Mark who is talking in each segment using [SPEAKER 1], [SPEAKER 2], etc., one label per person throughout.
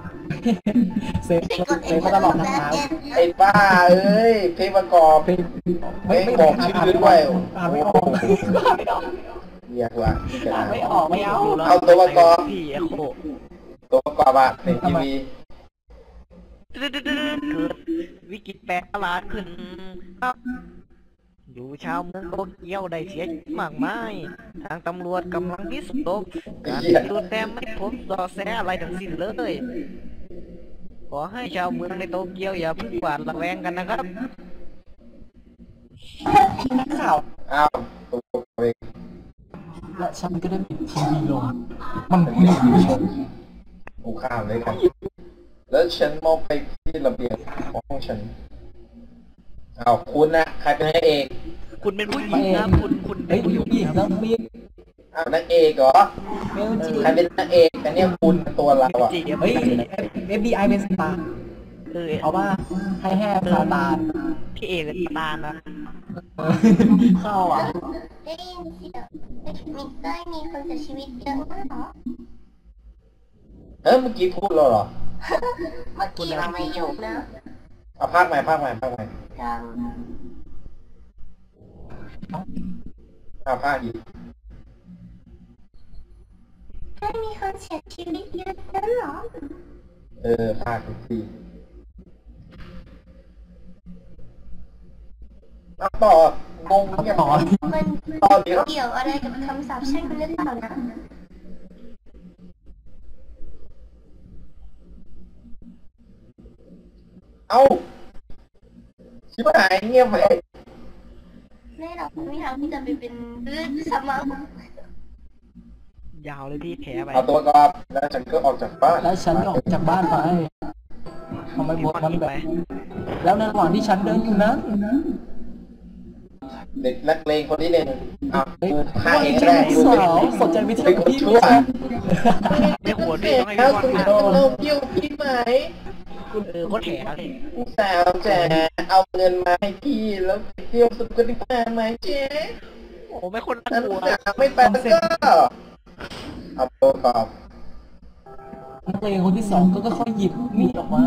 [SPEAKER 1] เซฟเซฟมาตลอดทาง
[SPEAKER 2] ไอ้บ้าเอ้ยเพลงประกอบเพลงบอกชื่อด้วย
[SPEAKER 1] อ่านไม่ออกอ่านไม่ออก
[SPEAKER 2] เรียกว่า
[SPEAKER 1] อ่านไม่ออกไม่เอา
[SPEAKER 2] เอาตัวประกอบ
[SPEAKER 3] พี่เอโค
[SPEAKER 2] ตัวประกอบอะในทีวี
[SPEAKER 3] เกิดวิกฤตแปลกประหลาดขึ้นครับอยู่ชาวเมืองโตเกียวได้เสียชีวิตมากมายทางตำรวจกำลังพิสูจน์การดูแต่ไม่พบเบาะแสอะไรทั้งสิ้นเลยขอให้ชาวเมืองในโตเกียวอย่าเพิ่งหวาดระแวงกันนะครับ
[SPEAKER 1] นักข่าว
[SPEAKER 2] อ้าวตัวประกอบเอง
[SPEAKER 1] และฉันก็ได้ปิดทีวีลงมันไม่ได้อยู่ชม
[SPEAKER 2] กูข้ามเลยกันแล้วฉันมองไปที่ระเบียงของห้องฉันอ้าวคุณนะใครเป็นนางเอก
[SPEAKER 3] คุณเป็นผู้หญิงนะคุณเป็
[SPEAKER 1] เฮ้
[SPEAKER 3] น
[SPEAKER 1] ย
[SPEAKER 3] ผู้ห
[SPEAKER 1] ดู
[SPEAKER 3] ญิง
[SPEAKER 1] อีก
[SPEAKER 3] นะ
[SPEAKER 1] แล้วมี
[SPEAKER 2] อ้าวนางเอกเหรอ
[SPEAKER 1] เมลจี
[SPEAKER 2] ใครเป็นนางเอกอันเนี้ยคุณตัวเราอะ
[SPEAKER 3] จีบ
[SPEAKER 1] เฮ้ย FBI เป็นสตาร์
[SPEAKER 3] เออ
[SPEAKER 1] เอาว่าให้แห่ซาตาน
[SPEAKER 3] พี่เอกเป็นตาลนะ
[SPEAKER 1] เข้าอ่ะ
[SPEAKER 4] ได้ยินเสียงมีคนเสียชีวิตเยอะมากเหรอ
[SPEAKER 2] เมื่อกี้พูดแล้วเหรอ
[SPEAKER 4] เมื่อกี้เราไม่อยู่นะ
[SPEAKER 2] เอาภาคใหม่
[SPEAKER 4] ยัง
[SPEAKER 2] เอาภาคอีก
[SPEAKER 4] ได้มีคนเสียชีวิตเยอะนั้นเหรอ
[SPEAKER 2] ภาคอีกทีเอาต่องงเงียบ
[SPEAKER 1] ต่อ
[SPEAKER 4] มัน
[SPEAKER 2] ต่อเดี๋ยว
[SPEAKER 4] เกี่ยวอะไรกับคำสาปแช่งหรือเปล่านะ
[SPEAKER 2] เอาชิบหายเงียบไป
[SPEAKER 4] แน่หรอกไม่มีทางที่จะไปเป็นเรื่องสมอง
[SPEAKER 3] ยาวเลยพี่แผลไป
[SPEAKER 2] เอาตัวกอบแล้วฉันก็ออกจากบ้าน
[SPEAKER 1] แล้วฉันก็ออกจากบ้านไปทำไมบทมันแบบแล้วในระหว่างที่ฉันเดินอยู่นั้น
[SPEAKER 2] เด็กนักเลงคนที่หนึ่งเอา
[SPEAKER 1] เฮ้ย
[SPEAKER 2] ฆ่าเอง
[SPEAKER 1] ฉั
[SPEAKER 2] ได้
[SPEAKER 1] นสาวสนใจวิท
[SPEAKER 2] เป็
[SPEAKER 1] ยาน กับ
[SPEAKER 2] คน
[SPEAKER 1] พี่
[SPEAKER 2] ชั่ว
[SPEAKER 3] ในหัวพี่ต้องให้
[SPEAKER 2] แล้ว
[SPEAKER 3] พี่
[SPEAKER 2] คุณ
[SPEAKER 3] วาด
[SPEAKER 2] ต้องเราเกี่ยวพี่ไหม
[SPEAKER 3] ก็แผลเลย
[SPEAKER 2] สาวแจ๋เอาเงินมาให้พี่แล้วไปเที่ยวสุดกันดีกว่าไหมเจ๊
[SPEAKER 3] โอ้ไม่คนน่า
[SPEAKER 2] นั่น
[SPEAKER 3] กลัว
[SPEAKER 2] จ๋าไม่ไปแล้วก็เอาตัวกอบ
[SPEAKER 1] นักเลงคนที่สองก็ค่อยหยิบมีดออกมา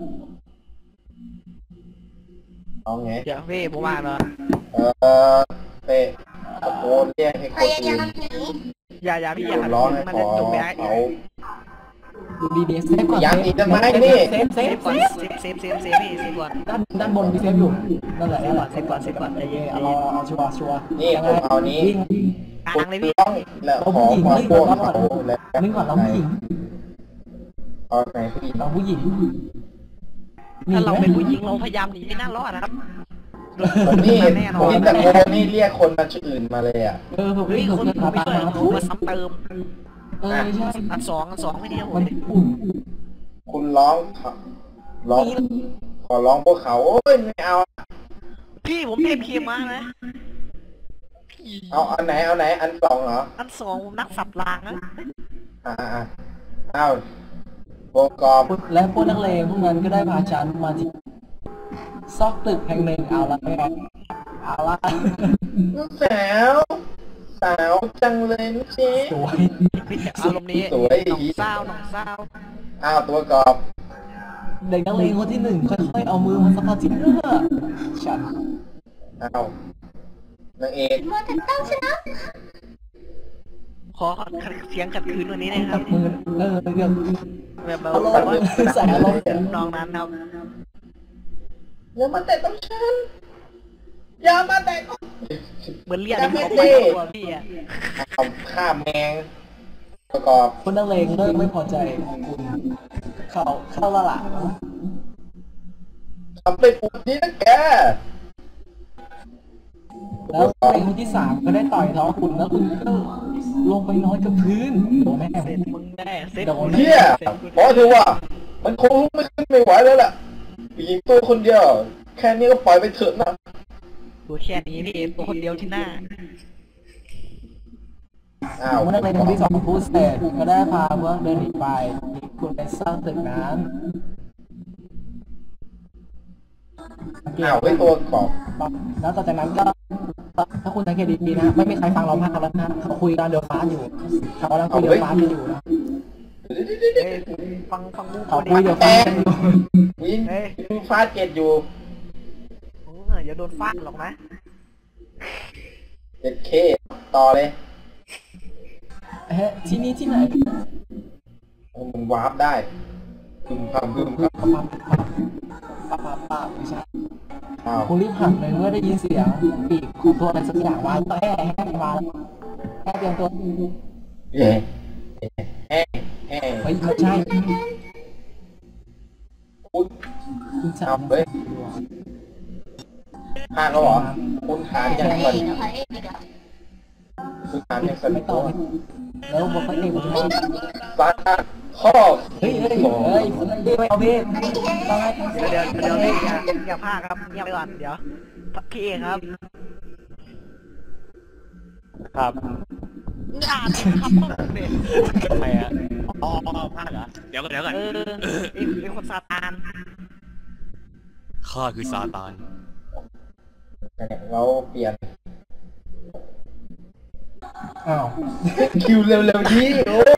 [SPEAKER 2] เอาไง
[SPEAKER 3] เดี๋ยวพี่ผมว่าเนาะ
[SPEAKER 2] เตะตะโกนเรียกให้ค
[SPEAKER 4] พ
[SPEAKER 2] น
[SPEAKER 4] ยา
[SPEAKER 2] อื่
[SPEAKER 4] ยาน มหนี
[SPEAKER 3] อย่าพี่อย่า
[SPEAKER 2] ร้องให้
[SPEAKER 3] มัน
[SPEAKER 2] ข
[SPEAKER 3] จะ
[SPEAKER 2] อ
[SPEAKER 3] จบไปได้
[SPEAKER 2] เขา
[SPEAKER 1] ดูดีๆเซฟก่อน
[SPEAKER 2] ยังอีกทำไมนี่
[SPEAKER 1] เซฟ
[SPEAKER 3] เซฟก่อนเซฟพี่เซฟก่อน
[SPEAKER 1] ด้านบนมีเซฟอยู่นั่นแหละ
[SPEAKER 3] เซฟก่อนเซฟก่อนเซฟก่อนใจเย็น
[SPEAKER 1] เอาเอาชัวร์ชัวร์
[SPEAKER 2] นี่ผมเอานี้
[SPEAKER 1] วิ่ง
[SPEAKER 3] กลางเลยพี่
[SPEAKER 2] ต้องแล้วขอความพวกเขาแล้ว
[SPEAKER 1] นึกก่อนเราผู้หญิง
[SPEAKER 2] เอาไหนผู้หญิง
[SPEAKER 1] เราผู้หญิง
[SPEAKER 3] ถ้าเราเป็นผู้หญิงเราพยายามหนีไม่น่ารอดนะครับ
[SPEAKER 2] นี่
[SPEAKER 3] แน่นอ
[SPEAKER 2] ผม
[SPEAKER 3] น
[SPEAKER 2] ตะโกนนี่เรียกคนมาชื่ออื่นมาเลยอ่ะ
[SPEAKER 1] ผม
[SPEAKER 3] เฮ้ย
[SPEAKER 1] ผม
[SPEAKER 3] คน
[SPEAKER 1] เคย
[SPEAKER 3] ผม
[SPEAKER 1] พา
[SPEAKER 3] ไม่
[SPEAKER 1] ตาม
[SPEAKER 3] ช่วย
[SPEAKER 1] มา
[SPEAKER 3] มาซ้ำเติม
[SPEAKER 1] ใช่
[SPEAKER 3] อันสองไม่เดียว
[SPEAKER 1] มันอุ่น
[SPEAKER 2] คุณร้องขอร้องพวกเขาโอ้ยไม่เอา
[SPEAKER 3] พี่ผมเทพเคมานะ
[SPEAKER 2] เอาอันไหนอันสองเหรอ
[SPEAKER 3] อันสองผมนักสับรางนะ
[SPEAKER 2] เอาโบกอบ
[SPEAKER 1] และพวกนักเลงพวกนั้นก็ได้พาฉันมาที่ซอกตึกแห่งหนึ่งเอาละแกเอาละ
[SPEAKER 2] ลูกสาวจังเลยนะเจ๊
[SPEAKER 1] สวย
[SPEAKER 3] อารมณ์นี้หนองเศร้า
[SPEAKER 2] อ้าวตัวกอบ
[SPEAKER 1] เด็กนักเลงคนที่หนึ่งค่อยๆเอามือมาสัมผัสที่เนื้อฉัน
[SPEAKER 2] อ้าวนางเอก
[SPEAKER 4] มัวแต่ตั้งชนะ
[SPEAKER 3] ขอเสียงขัดคืนวันนี้นะค
[SPEAKER 1] กั
[SPEAKER 3] รั
[SPEAKER 1] บบ มือเรื่อง
[SPEAKER 3] แบบ
[SPEAKER 1] อารมณ์ใส่อารมณ์
[SPEAKER 3] น้องนั้นครับ
[SPEAKER 2] อย่ามาแตะต้องฉันอย่ามาแตะต้อง
[SPEAKER 3] เหมือนเรียกเขาไปตัวพี่อะ
[SPEAKER 2] เอาฆ่าแมงประกอบ
[SPEAKER 1] คนนักเลงเริ่มไม่พอใจคุณเข้าละล่ะ
[SPEAKER 2] ทำไปปุ๊บนี้นะแก
[SPEAKER 1] แล้วนักเลงคนที่สามก็ได้ต่อยท้องคุณแล้วคุณก็ลงไปนอนกับพื้นโดนแม่
[SPEAKER 3] เซ็ตมึงแน่เซ็ต
[SPEAKER 2] เฮียพอเถอะว่ามันคงลุกไม่ขึ้นไม่ไหวแล้วล่ะผู้หญิงตัวคนเดียวแค่นี้ก็ปล่อยไปเถอะนะ
[SPEAKER 3] ตัวแค่นี้พี่ตัวคนเดียวที่หน้า
[SPEAKER 2] อ้าว
[SPEAKER 1] เมื่อนักเลงคนที่สองพูดเสร็จก็ได้พาเมื่อเดินหนีไปคุณไปสร้างตึกนั้น
[SPEAKER 2] อ้าวไว้ตัวกอบ
[SPEAKER 1] แล้วต่อจากนั้นก็ถ้าคุณสังเกตดีๆนะไม่มีใครฟังเราพากแล้วนะเขาคุยกันเดือดฟ้าอยู่เขากำลังคุยเดือดฟ้ากันอยู่นะ
[SPEAKER 2] เดี๋
[SPEAKER 3] เฮ้ยฟังกู
[SPEAKER 1] ขอ
[SPEAKER 3] ดิ
[SPEAKER 1] คุยเดี๋ยวฟังกันอยู่
[SPEAKER 2] วินวินฟาดเกตอยู่
[SPEAKER 3] อย่าโดนฟาดหรอกนะ
[SPEAKER 2] เจ็ดเคต่อเลย
[SPEAKER 1] เฮ้ยที่นี่ที่ไหน
[SPEAKER 2] โอ้มึงวาร์ปได้พึมพำพึมพ
[SPEAKER 1] ป้าไม่ใช่
[SPEAKER 2] ำอ้าว
[SPEAKER 1] คุณรีบหันเลยเมื่อได้ยินเสียงปีกของตัวอะไรสักอย่างมาแล้วแห่มาแห่เตรียมตัว
[SPEAKER 2] เย่แฮ่แฮ่
[SPEAKER 1] เฮ้ยไม่ใช่
[SPEAKER 2] คุณ
[SPEAKER 1] คุณสา
[SPEAKER 2] เอา
[SPEAKER 1] ม
[SPEAKER 2] เฮ้ยพลาดแล้วเหรอคุณขายัง
[SPEAKER 4] เอ้
[SPEAKER 2] สั่น
[SPEAKER 4] ยนะคะเอ้ยเดี๋ยว
[SPEAKER 2] คุณขายังสั่น
[SPEAKER 1] ไม่ต่อแล้วบอกเขาเองผมว่า
[SPEAKER 2] ฟาดข้อ
[SPEAKER 1] เฮ้ยคุณไม่เอาเบ้ตาย
[SPEAKER 3] เดี๋ยวพี่อย่าพลาดครับเงียบไปก่อนเดี๋ยวพี่เองครับ
[SPEAKER 5] ครับ
[SPEAKER 3] อย่าครับเนี่ย
[SPEAKER 5] ทำไมอ่ะอ๋อพลาดเหรอเดี๋ยวก่อน
[SPEAKER 3] เป็นคนซาตาน
[SPEAKER 5] ข้าคือซาตาน
[SPEAKER 2] เราเปลี่ยน
[SPEAKER 1] อ้าว
[SPEAKER 2] คิวเร็วๆนี้โอ้